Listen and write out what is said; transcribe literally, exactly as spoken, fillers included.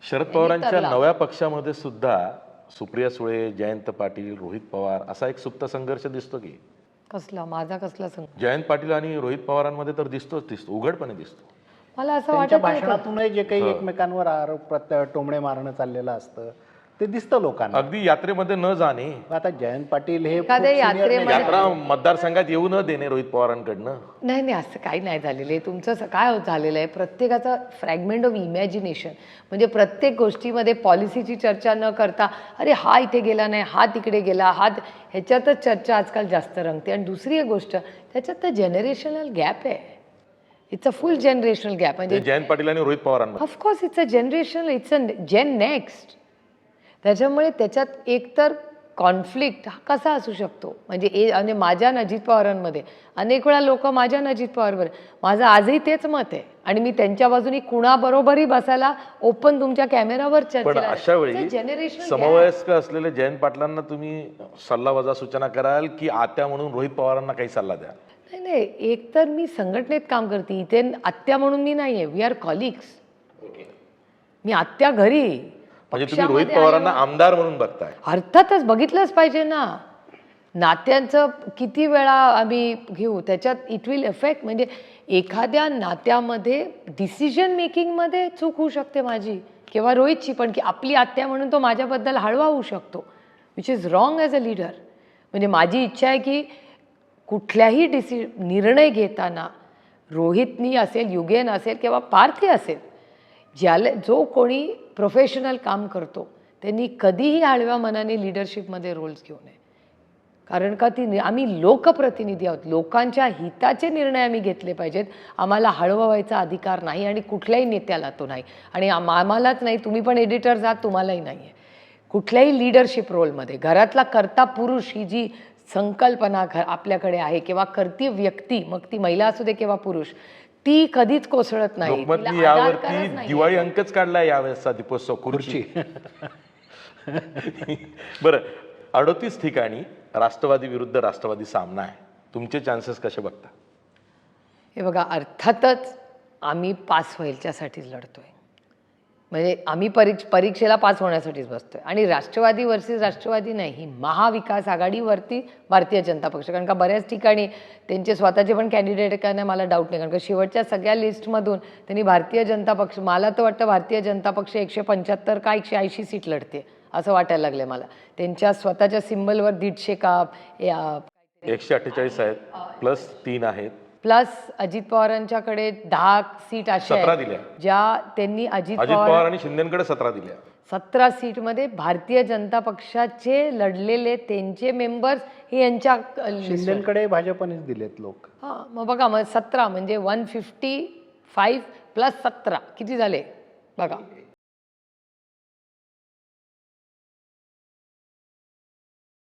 शरद पवारांच्या नव्या पक्षामध्ये सुद्धा सुप्रिया सुळे, जयंत पाटील, रोहित पवार असा एक सुप्त संघर्ष दिसतो की कसला माझा कसला संघर्ष? जयंत पाटील आणि रोहित पवारांमध्ये तर दिसतोच दिसतो उघडपणे दिसतो. मला असं त्यांच्या वाटत भाषणातूनही जे काही एकमेकांवर आरोप प्रत्य टोमणे मारणं चाललेलं असतं ते दिसतं लोकांना. अगदी यात्रेमध्ये न जाणे, आता जयंत पाटील हे एखाद्या खूप senior यात्रेमध्ये- नेते यात्रा मतदारसंघात येऊ न देणे रोहित पवारांकडनं. नाही नाही असं काही नाही झालेलं आहे. तुमचं असं काय होत झालेलं आहे, प्रत्येकाचा फ्रॅगमेंट ऑफ इमॅजिनेशन. म्हणजे प्रत्येक गोष्टीमध्ये पॉलिसीची चर्चा न करता अरे हा इथे गेला नाही, हा तिकडे गेला, हा ह्याच्यातच चर्चा आजकाल जास्त रंगते. आणि दुसरी एक गोष्ट त्याच्यात तर जनरेशनल गॅप आहे. It's a full generational gap. म्हणजे जयंत पाटील आणि रोहित पवारांमध्ये of course it's a generational, it's a gen next. त्याच्यामुळे त्याच्यात एकतर कॉन्फ्लिक्ट हा कसा असू शकतो. म्हणजे ए आणि माझ्या अजित पवारांमध्ये अनेक वेळा लोक माझ्या अजित पवारवर, माझं आजही तेच मत आहे आणि मी त्यांच्या बाजूनी कुणाबरोबरही बसायला ओपन तुमच्या कॅमेरावर पण चर्चेला. अशा वेळी जनरेशन समवयस्क असलेले जयंत पाटलांना तुम्ही सल्ला वजा सूचना कराल की आत्या म्हणून रोहित पवारांना काही सल्ला द्या? नाही नाही, एक तर मी संघटनेत काम करते, इथे आत्या म्हणून मी नाही आहे. We R colleagues. मी आत्या घरी म्हणजे तुम्ही रोहित पवारांना आमदार म्हणून बघताय? अर्थातच बघितलंच पाहिजे ना. नात्यांचं किती वेळा आम्ही घेऊ, त्याच्यात इट विल इफेक्ट. म्हणजे एखाद्या नात्यामध्ये डिसिजन मेकिंगमध्ये चूक होऊ शकते माझी किंवा रोहितची, पण की आपली आत्या म्हणून तो माझ्याबद्दल हळवा होऊ शकतो, which is wrong as a leader. म्हणजे माझी इच्छा आहे की कुठल्याही डिसि निर्णय घेताना रोहितनी असेल, युगेन असेल किंवा पार्थी असेल, ज्याला जो कोणी प्रोफेशनल काम करतो त्यांनी कधीही आडव्या मनाने लिडरशिपमध्ये रोल्स घेऊ नये. कारण का ती आम्ही लोकप्रतिनिधी आहोत, लोकांच्या हिताचे निर्णय आम्ही घेतले पाहिजेत. आम्हाला हळवायचा अधिकार नाही आणि कुठल्याही नेत्याला तो नाही. आणि आम आम्हालाच नाही, तुम्ही पण एडिटर्स आहात, तुम्हालाही नाही आहे. कुठल्याही लिडरशिप रोलमध्ये घरातला कर्ता पुरुष ही जी संकल्पना घ आपल्याकडे आहे किंवा कर्ती व्यक्ती, मग ती महिला असू दे किंवा पुरुष, ती कधीच कोसळत नाही. लोकमतनी यावरती दिवाळी अंकच काढलाय यावेळेसचा दीपोत्सव खुर्ची. बरं, अडोतीस ठिकाणी राष्ट्रवादी विरुद्ध राष्ट्रवादी सामना आहे. तुमचे चान्सेस कसे बघता? हे बघा, अर्थातच आम्ही पास व्हायच्यासाठीच लढतोय. म्हणजे आम्ही परीक्ष परीक्षेला पास होण्यासाठीच बसतोय. आणि राष्ट्रवादी वर्सेस राष्ट्रवादी नाही, ही महाविकास आघाडीवरती भारतीय जनता पक्ष. कारण का बऱ्याच ठिकाणी त्यांचे स्वतःचे पण कॅन्डिडेट काय नाही, मला डाऊट नाही. कारण का शेवटच्या सगळ्या लिस्टमधून त्यांनी भारतीय जनता पक्ष, मला तर वाटतं भारतीय जनता पक्ष एकशे पंच्याहत्तर का एकशे ऐंशी सीट लढते असं वाटायला लागलं मला. त्यांच्या स्वतःच्या सिम्बलवर दीडशे का एकशे अठ्ठेचाळीस आहेत, प्लस तीन आहेत, प्लस अजित पवारांच्याकडे दहा सीट अशा सतरा आहेत दिल्या ज्या त्यांनी अजित अजित पवार आणि शिंदेकडे सतरा दिल्या. सतरा सीटमध्ये भारतीय जनता पक्षाचे लढलेले त्यांचे मेंबर्स हे यांच्या शिंदेकडे भाजपनेच दिलेत लोक. हां, मग बघा, मग सतरा म्हणजे वन फिफ्टी फाईव्ह प्लस सतरा किती झाले बघा.